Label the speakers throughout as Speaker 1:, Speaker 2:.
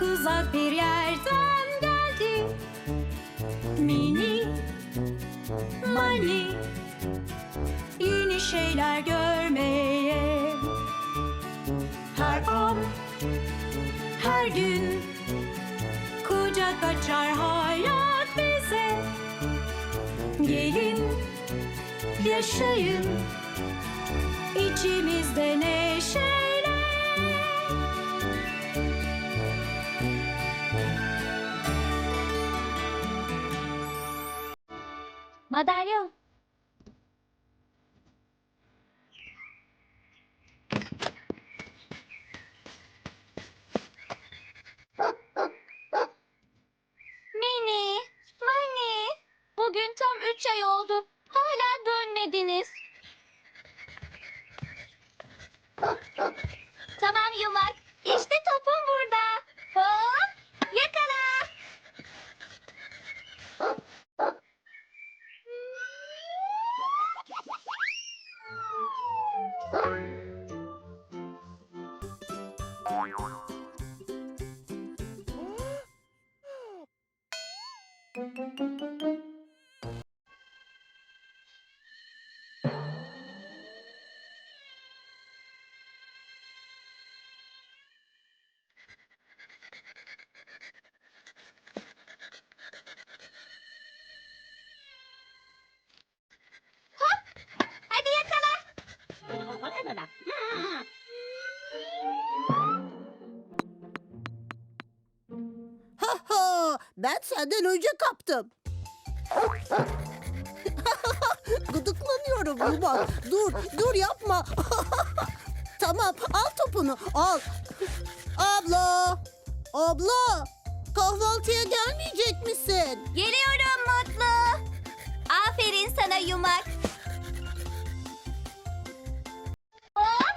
Speaker 1: uzak bir yerden geldi. Mini Mani, yeni şeyler görmeye. Her an, her gün kucak açar hayat bize. Gelin, yaşayın içimizde neşeyle. Madalyon. Mini, Mani, bugün tam 3 ay oldu. Hala dönmediniz. Tamam Yumak, işte topum burada. Hop, yakala. Hadi yakala.
Speaker 2: Ha ha, ben senden önce kaptım. Gıdıklanıyorum Yumak. Dur yapma. Tamam, al topunu, al. Abla, kahvaltıya gelmeyecek misin?
Speaker 1: Geliyorum Mutlu. Aferin sana Yumak. Hop.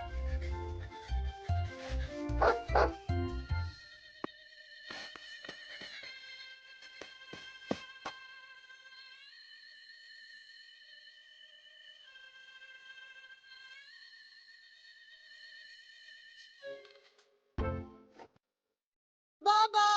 Speaker 2: Baba!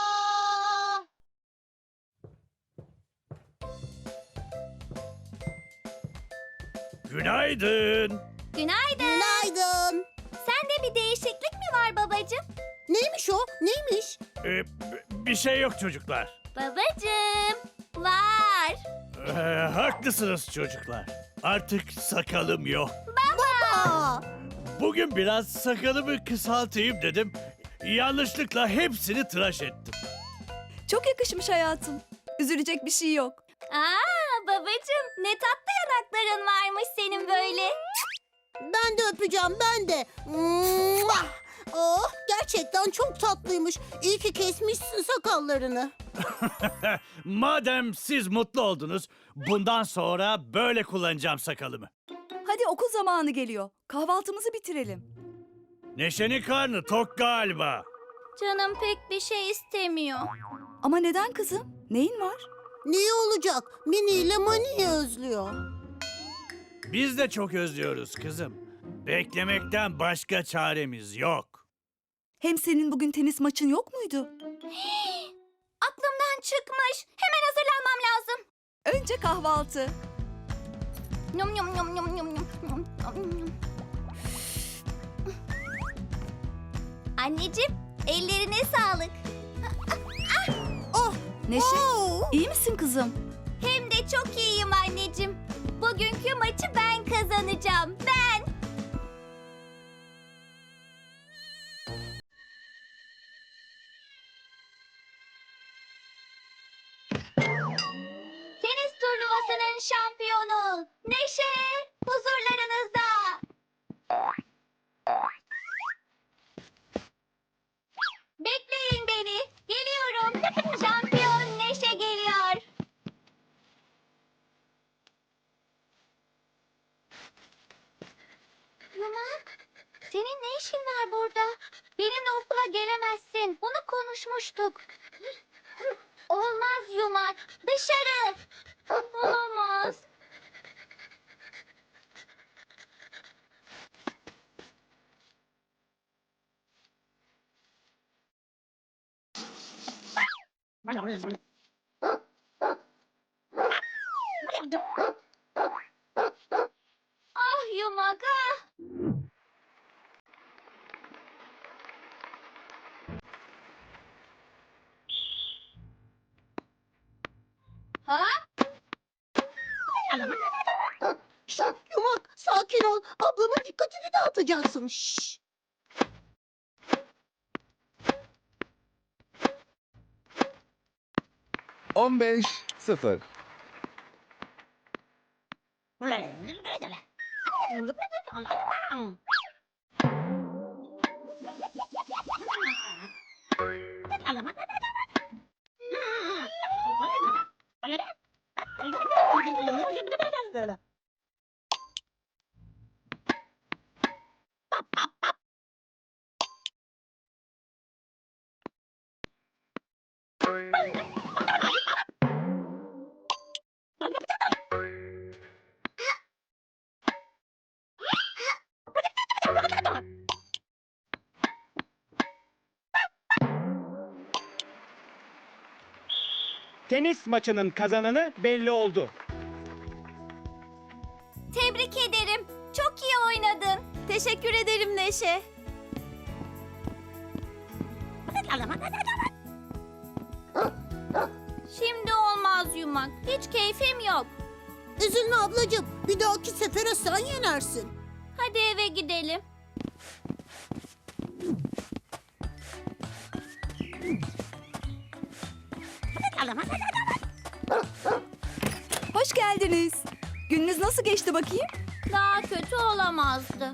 Speaker 3: Günaydın.
Speaker 1: Günaydın.
Speaker 2: Günaydın.
Speaker 1: Sende bir değişiklik mi var babacığım?
Speaker 2: Neymiş o? Neymiş?
Speaker 3: Bir şey yok çocuklar.
Speaker 1: Babacığım, var.
Speaker 3: Haklısınız çocuklar. Artık sakalım yok.
Speaker 2: Aa,
Speaker 3: Bugün biraz sakalımı kısaltayım dedim. Yanlışlıkla hepsini tıraş ettim.
Speaker 4: Çok yakışmış hayatım. Üzülecek bir şey yok.
Speaker 1: Aa babacığım, ne tatlı yanakların varmış senin böyle.
Speaker 2: ben de öpeceğim, ben de. Mua! Oh, gerçekten çok tatlıymış. İyi ki kesmişsin sakallarını.
Speaker 3: Madem siz mutlu oldunuz, bundan sonra böyle kullanacağım sakalımı.
Speaker 4: Hadi okul zamanı geliyor. Kahvaltımızı bitirelim.
Speaker 3: Neşe'nin karnı tok galiba.
Speaker 1: Canım pek bir şey istemiyor.
Speaker 4: Ama neden kızım? Neyin var?
Speaker 2: Niye olacak? Mini ile Mani'yi özlüyor.
Speaker 3: Biz de çok özlüyoruz kızım. Beklemekten başka çaremiz yok.
Speaker 4: Hem senin bugün tenis maçın yok muydu?
Speaker 1: Aklımdan çıkmış. Hemen hazırlanmam lazım.
Speaker 4: Önce kahvaltı.
Speaker 1: Yum yum yum yum yum yum yum yum. Anneciğim, ellerine sağlık.
Speaker 2: Oh,
Speaker 4: Neşe,
Speaker 2: oh.
Speaker 4: iyi misin kızım?
Speaker 1: Hem de çok iyiyim anneciğim. Bugünkü maçı ben kazanacağım. Ben. Tenis turnuvasının şampiyonu Neşe huzurlarınızda. Bekleyin beni. Geliyorum. Şampiyon Neşe geliyor. Yumak, senin ne işin var burada? Benimle okula gelemezsin. Bunu konuşmuştuk. Olmaz Yumak. Dışarı. Olamaz. Ah yumak ah. Ha?
Speaker 2: Şş, Yumak sakin ol. Ablamın dikkatini dağıtacaksın. Şşş.
Speaker 5: On beş sıfır.
Speaker 6: Tenis maçının kazananı belli oldu.
Speaker 1: Tebrik ederim. Çok iyi oynadın.
Speaker 4: Teşekkür ederim Neşe.
Speaker 1: Şimdi olmaz yumak. Hiç keyfim yok.
Speaker 2: Üzülme ablacığım. Bir dahaki sefere sen yenersin.
Speaker 1: Hadi eve gidelim.
Speaker 4: Hoş geldiniz. Gününüz nasıl geçti bakayım?
Speaker 1: Daha kötü olamazdı.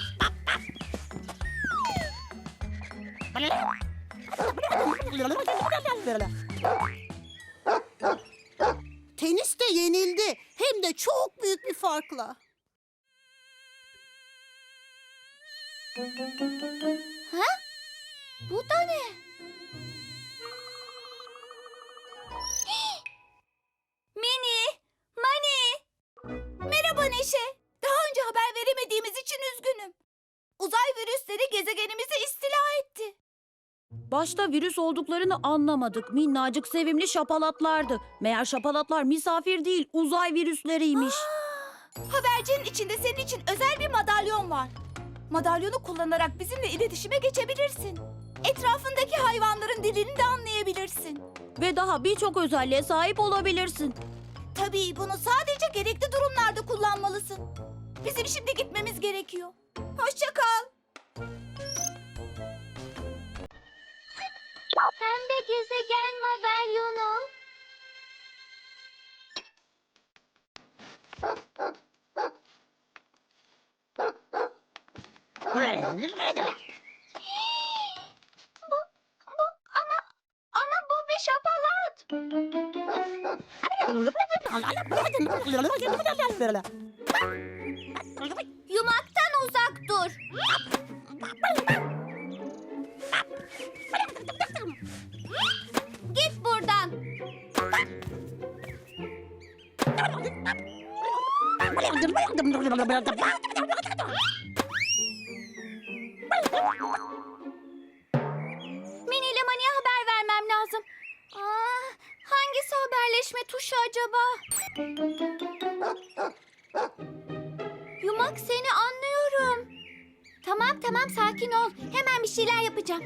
Speaker 2: Teniste yenildi. Hem de çok büyük bir farkla.
Speaker 1: Bu da ne? Mini, Mani. Merhaba Neşe. Daha önce haber veremediğimiz için üzgünüm. Uzay virüsleri gezegenimizi istila etti.
Speaker 7: Başta virüs olduklarını anlamadık. Minnacık sevimli şapalatlardı. Meğer şapalatlar misafir değil, uzay virüsleriymiş.
Speaker 1: Habercinin içinde senin için özel bir madalyon var. Madalyonu kullanarak bizimle iletişime geçebilirsin. Etrafındaki hayvanların dilini de anlayabilirsin.
Speaker 7: Ve daha birçok özelliğe sahip olabilirsin.
Speaker 1: Tabii bunu sadece gerekli durumlarda kullanmalısın. Bizim şimdi gitmemiz gerekiyor. Hoşça kal. Pembe gezegen madalyonu. Ama bu bir şapalat. Yumaktan uzak dur. Git buradan. Mini ile Mani'ye haber vermem lazım. Hangisi haberleşme tuşu acaba? Yumak seni anlıyorum. Tamam sakin ol. Hemen bir şeyler yapacağım.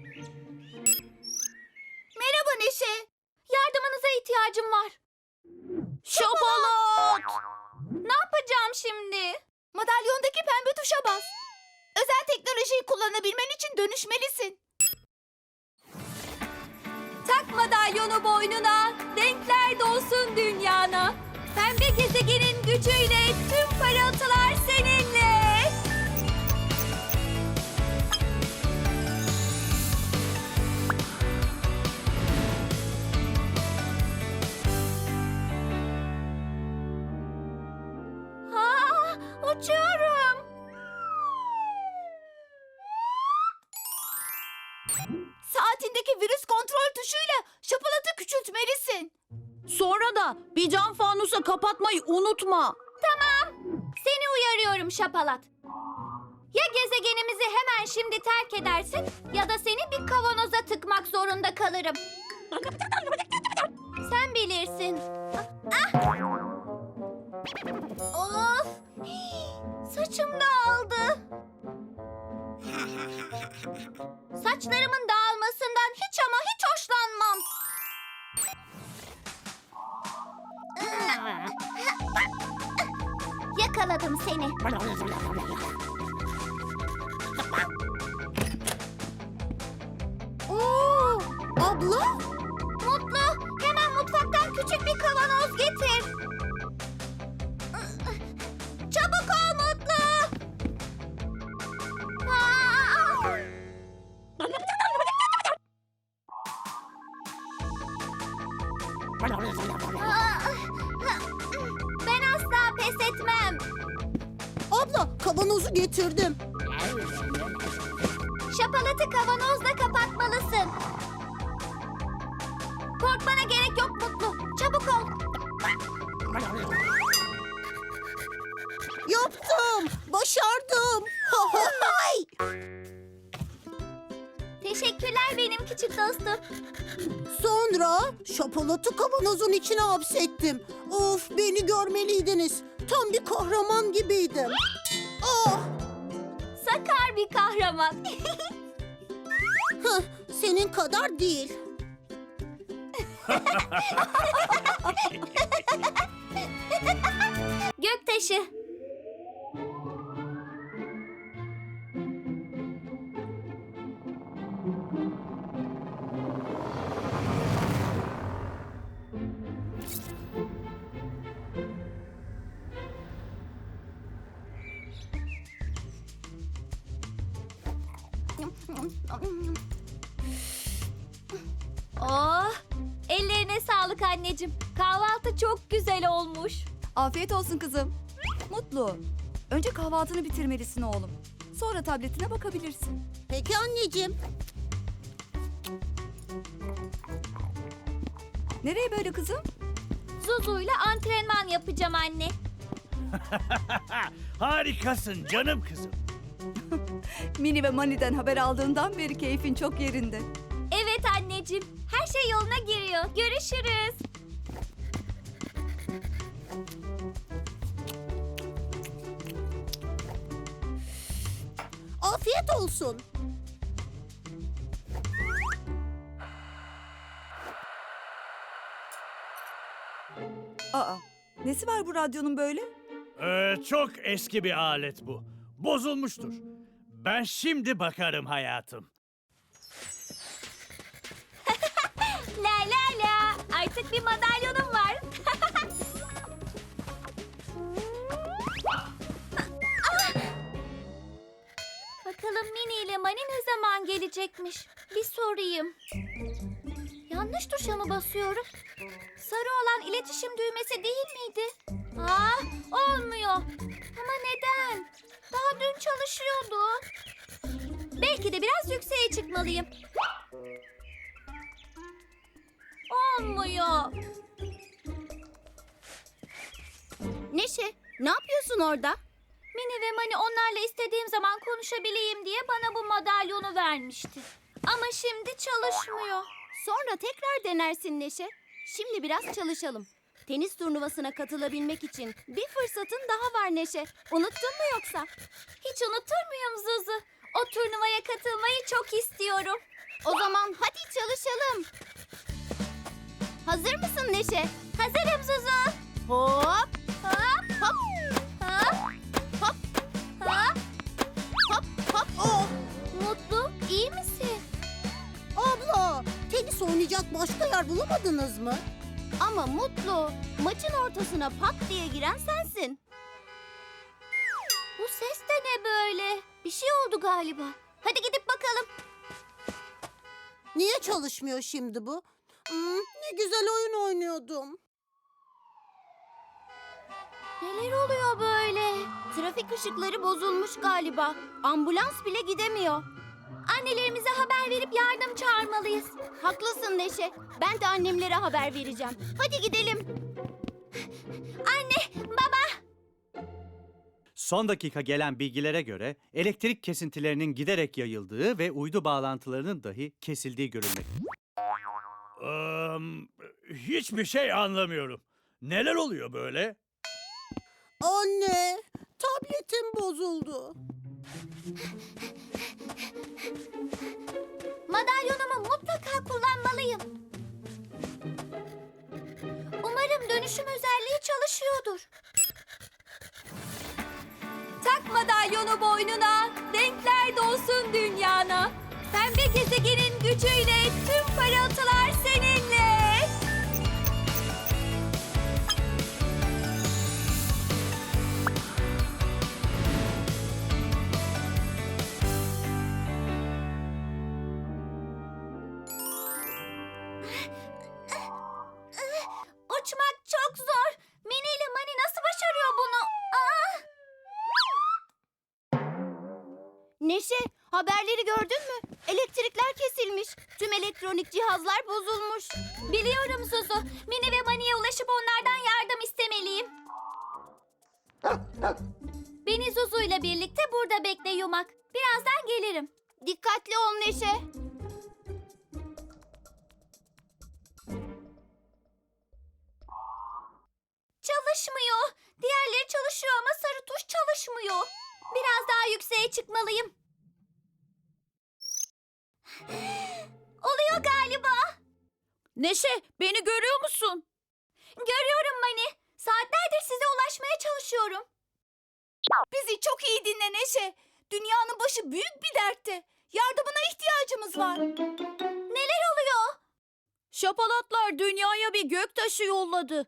Speaker 1: Merhaba Neşe. Yardımınıza ihtiyacım var. Şapalat! Ne yapacağım şimdi? Madalyondaki pembe tuşa bas. Özel teknolojiyi kullanabilmen için dönüşmelisin.
Speaker 4: Tak madalyonu boynuna, renkler dolsun dünyana. Pembe gezegenin gücüyle tüm parıltılar seninle.
Speaker 1: Uçuyorum. Saatindeki virüs kontrol tuşuyla şapalatı küçültmelisin.
Speaker 7: Sonra da bir cam fanusa kapatmayı unutma.
Speaker 1: Seni uyarıyorum şapalat. Ya gezegenimizi hemen şimdi terk edersin ya da seni bir kavanoza tıkmak zorunda kalırım. Sen bilirsin. Ah! Of! Saçım dağıldı. Saçlarımın dağılmasından hiç ama hiç hoşlanmam. Yakaladım seni.
Speaker 2: Oo, abla?
Speaker 1: Mutlu, hemen mutfaktan küçük bir kavanoz getir. Çabuk ol Mutlu. Aa! Ben asla pes etmem.
Speaker 2: Abla kavanozu getirdim.
Speaker 1: Şapalatı kavanozla kapatmalısın. Korkmana gerek yok Mutlu. Çabuk ol.
Speaker 2: Yaptım. Başardım. Hay!
Speaker 1: Teşekkürler benim küçük dostum.
Speaker 2: Sonra şapalatı kavanozun içine hapsettim. Of, beni görmeliydiniz. Tam bir kahraman gibiydim. Oh,
Speaker 1: Sakar bir kahraman.
Speaker 2: hıh, senin kadar değil.
Speaker 1: Göktaşı. Oh, ellerine sağlık anneciğim. Kahvaltı çok güzel olmuş.
Speaker 4: Afiyet olsun kızım. Mutlu. Önce kahvaltını bitirmelisin oğlum. Sonra tabletine bakabilirsin.
Speaker 2: Peki anneciğim.
Speaker 4: Nereye böyle kızım?
Speaker 1: Zuzu'yla antrenman yapacağım anne.
Speaker 3: Harikasın canım kızım.
Speaker 4: Mini ve Mani'den haber aldığından beri keyfin çok yerinde.
Speaker 1: Evet anneciğim. Her şey yoluna giriyor. Görüşürüz.
Speaker 2: Afiyet olsun.
Speaker 4: Aa, nesi var bu radyonun böyle?
Speaker 3: Çok eski bir alet bu. Bozulmuştur. Ben şimdi bakarım hayatım.
Speaker 1: La la la. Artık bir madalyonum var. Bakalım Mini ile Mani ne zaman gelecekmiş? Bir sorayım. Yanlış tuşa mı basıyorum? Sarı olan iletişim düğmesi değil miydi? Aa, olmuyor. Ama neden? Daha dün çalışıyordu. Belki de biraz yükseğe çıkmalıyım. Olmuyor.
Speaker 2: Neşe, ne yapıyorsun orada?
Speaker 1: Mini ve Mani onlarla istediğim zaman konuşabileyim diye bana bu madalyonu vermişti. Ama şimdi çalışmıyor.
Speaker 8: Sonra tekrar denersin Neşe. Şimdi biraz çalışalım. Tenis turnuvasına katılabilmek için bir fırsatın daha var Neşe. Unuttun mu yoksa?
Speaker 1: Hiç unutur muyum Zuzu? O turnuvaya katılmayı çok istiyorum.
Speaker 8: O zaman hadi çalışalım. Hazır mısın Neşe?
Speaker 1: Hazırım Zuzu.
Speaker 8: Hop,
Speaker 1: Hop
Speaker 8: hop,
Speaker 1: hop
Speaker 8: hop,
Speaker 1: hop.
Speaker 8: hop, hop.
Speaker 2: Oh,
Speaker 1: Mutlu, iyi misin?
Speaker 2: abla, tenis oynayacak başka yer bulamadınız mı?
Speaker 8: Ama Mutlu, maçın ortasına pat diye giren sensin.
Speaker 1: Bu ses de ne böyle? Bir şey oldu galiba. Hadi gidip bakalım.
Speaker 2: Niye çalışmıyor şimdi bu? Ne güzel oyun oynuyordum.
Speaker 1: Neler oluyor böyle?
Speaker 8: Trafik ışıkları bozulmuş galiba. Ambulans bile gidemiyor.
Speaker 1: Annelerimize haber verip yardım çağırmalıyız.
Speaker 8: Haklısın Neşe. Ben de annemlere haber vereceğim. Hadi gidelim.
Speaker 1: Anne, baba.
Speaker 3: Son dakika gelen bilgilere göre elektrik kesintilerinin giderek yayıldığı ve uydu bağlantılarının dahi kesildiği görülmekte. Hiçbir şey anlamıyorum. Neler oluyor böyle?
Speaker 2: Anne, tabletim bozuldu.
Speaker 1: Madalyonumu mutlaka kullanmalıyım. Umarım dönüşüm özelliği çalışıyordur.
Speaker 8: Tak madalyonu boynuna, renkler dolsun dünyana. Pembe gezegenin gücüyle tüm parıltılar seninle.
Speaker 1: Uçmak çok zor. Mini ile Mani nasıl başarıyor bunu?
Speaker 8: Neşe, haberleri gördün mü? Elektrikler kesilmiş. Tüm elektronik cihazlar bozulmuş.
Speaker 1: Biliyorum Zuzu. Mini ve Mani'ye ulaşıp onlardan yardım istemeliyim. Beni Zuzu ile birlikte burada bekle Yumak. Birazdan gelirim.
Speaker 8: Dikkatli ol Neşe.
Speaker 1: Çalışmıyor. Diğerleri çalışıyor ama sarı tuş çalışmıyor. Biraz daha yükseğe çıkmalıyım. Oluyor galiba.
Speaker 7: Neşe, beni görüyor musun?
Speaker 1: Görüyorum Mani. Saatlerdir size ulaşmaya çalışıyorum.
Speaker 8: Bizi çok iyi dinle Neşe. Dünyanın başı büyük bir dertte. Yardımına ihtiyacımız var.
Speaker 1: Neler oluyor?
Speaker 7: Şapalatlar dünyaya bir göktaşı yolladı.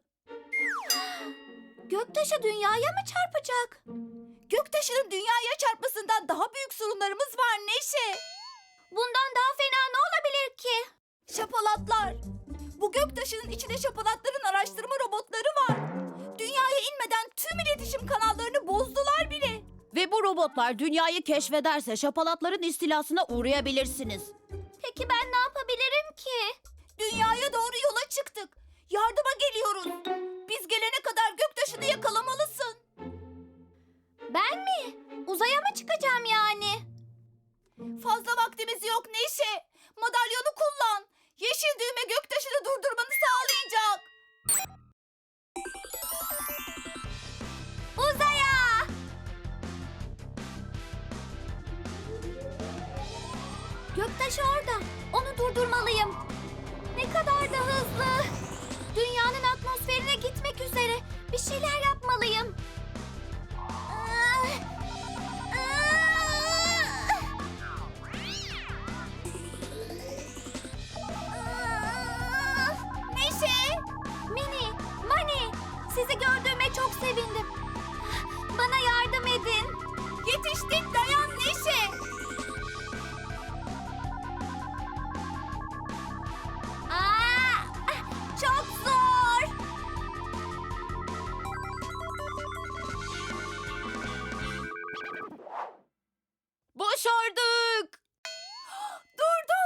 Speaker 1: Göktaşı dünyaya mı çarpacak?
Speaker 8: Göktaşının dünyaya çarpmasından daha büyük sorunlarımız var Neşe.
Speaker 1: Bundan daha fena ne olabilir ki?
Speaker 8: Şapalatlar. Bu göktaşının içinde şapalatların araştırma robotları var. Dünyaya inmeden tüm iletişim kanallarını bozdular bile.
Speaker 7: Ve bu robotlar dünyayı keşfederse şapalatların istilasına uğrayabilirsiniz.
Speaker 1: Peki ben ne yapabilirim ki?
Speaker 8: Dünyaya doğru yola çıktık. Yardıma geliyoruz. Biz gelene kadar göktaşını yakalamalısın.
Speaker 1: Ben mi? Uzaya mı çıkacağım yani?
Speaker 8: Fazla vaktimiz yok Neşe. Madalyonu kullan. Yeşil düğme göktaşını durdurmanı sağlayacak.
Speaker 1: Uzaya! Göktaşı orada. Onu durdurmalıyım. Ne kadar da hızlı. Dünyanın atmosferine gitmek üzere. Bir şeyler yapmalıyım.
Speaker 8: Neşe!
Speaker 1: Mini, Mani, sizi gördüğüme çok sevindim. Bana yardım edin.
Speaker 8: Yetiştik, dayan Neşe.
Speaker 1: Çok zor.
Speaker 7: Başardık!
Speaker 8: Durdu.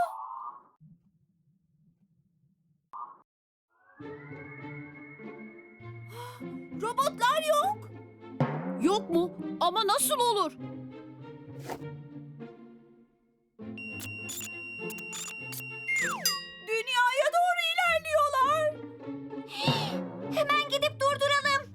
Speaker 8: Robotlar yok.
Speaker 7: Yok mu? Ama nasıl olur?
Speaker 8: Dünyaya doğru ilerliyorlar.
Speaker 1: Hemen gidip durduralım.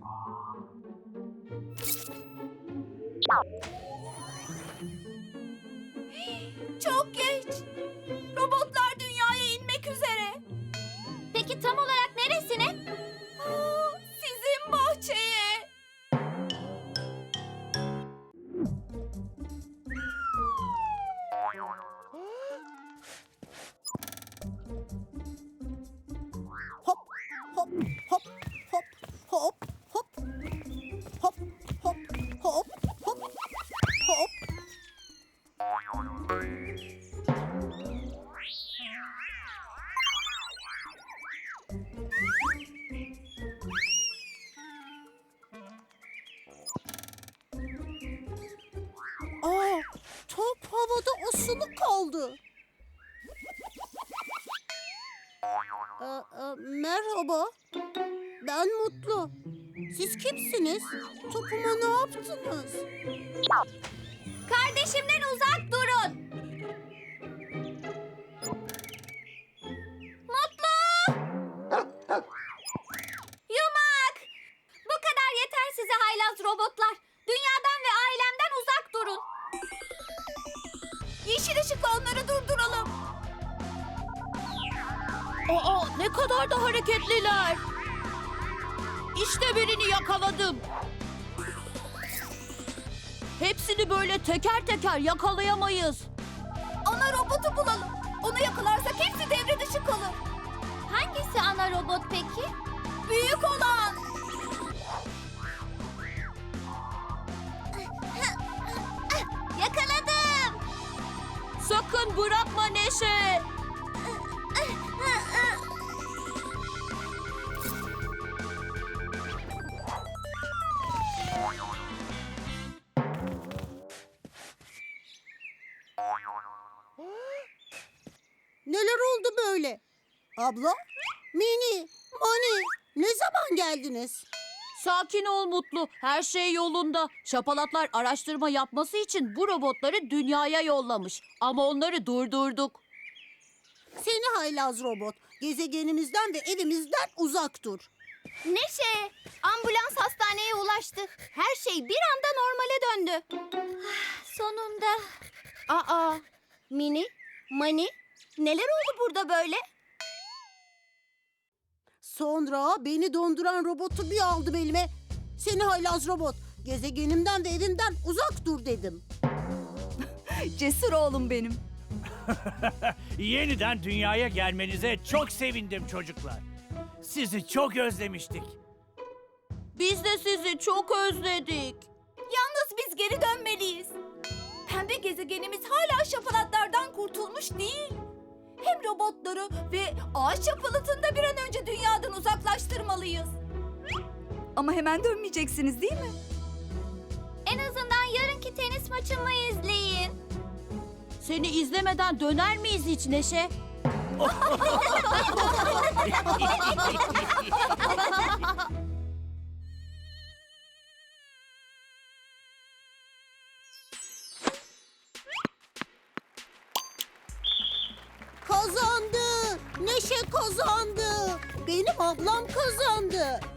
Speaker 8: Çok geç. Robotlar dünyaya inmek üzere.
Speaker 1: Peki tam olarak neresine?
Speaker 8: Sizin bahçeye.
Speaker 2: Hop, hop, hop, hop, hop, hop, hop, hop, hop, hop, hop. Aa, top havada asılı kaldı. Merhaba. Ben Mutlu. Siz kimsiniz? Topuma ne yaptınız?
Speaker 1: Kardeşimden uzak durun. Mutlu!
Speaker 7: Aa, ne kadar da hareketliler. İşte birini yakaladım. Hepsini böyle teker teker yakalayamayız.
Speaker 1: Ana robotu bulalım. Onu yakalarsak hepsi devre dışı kalır. Hangisi ana robot peki? Büyük olan. Yakaladım.
Speaker 7: Sakın bırakma Neşe.
Speaker 2: Neler oldu böyle? Abla, Mini, Mani, ne zaman geldiniz?
Speaker 7: Sakin ol Mutlu. Her şey yolunda. Şapalatlar araştırma yapması için bu robotları dünyaya yollamış. Ama onları durdurduk.
Speaker 2: Seni haylaz robot. Gezegenimizden ve evimizden uzak dur.
Speaker 8: Neşe, ambulans hastaneye ulaştı. Her şey bir anda normale döndü.
Speaker 1: Sonunda.
Speaker 8: Aa, Mini, Mani, neler oldu burada böyle?
Speaker 2: Sonra beni donduran robotu bir aldım elime. Seni haylaz robot. Gezegenimden ve evimden uzak dur dedim.
Speaker 4: Cesur oğlum benim.
Speaker 3: Yeniden dünyaya gelmenize çok sevindim çocuklar. Sizi çok özlemiştik.
Speaker 7: Biz de sizi çok özledik.
Speaker 1: Yalnız biz geri dönmeliyiz. Pembe gezegenimiz hala şapalatlardan kurtulmuş değil. Hem robotları ve ağaç şapalatını da bir an önce dünyadan uzaklaştırmalıyız.
Speaker 4: Ama hemen dönmeyeceksiniz değil mi?
Speaker 1: En azından yarınki tenis maçımı izleyin.
Speaker 7: Seni izlemeden döner miyiz hiç Neşe?
Speaker 2: Kazandı. Neşe kazandı. Benim ablam kazandı.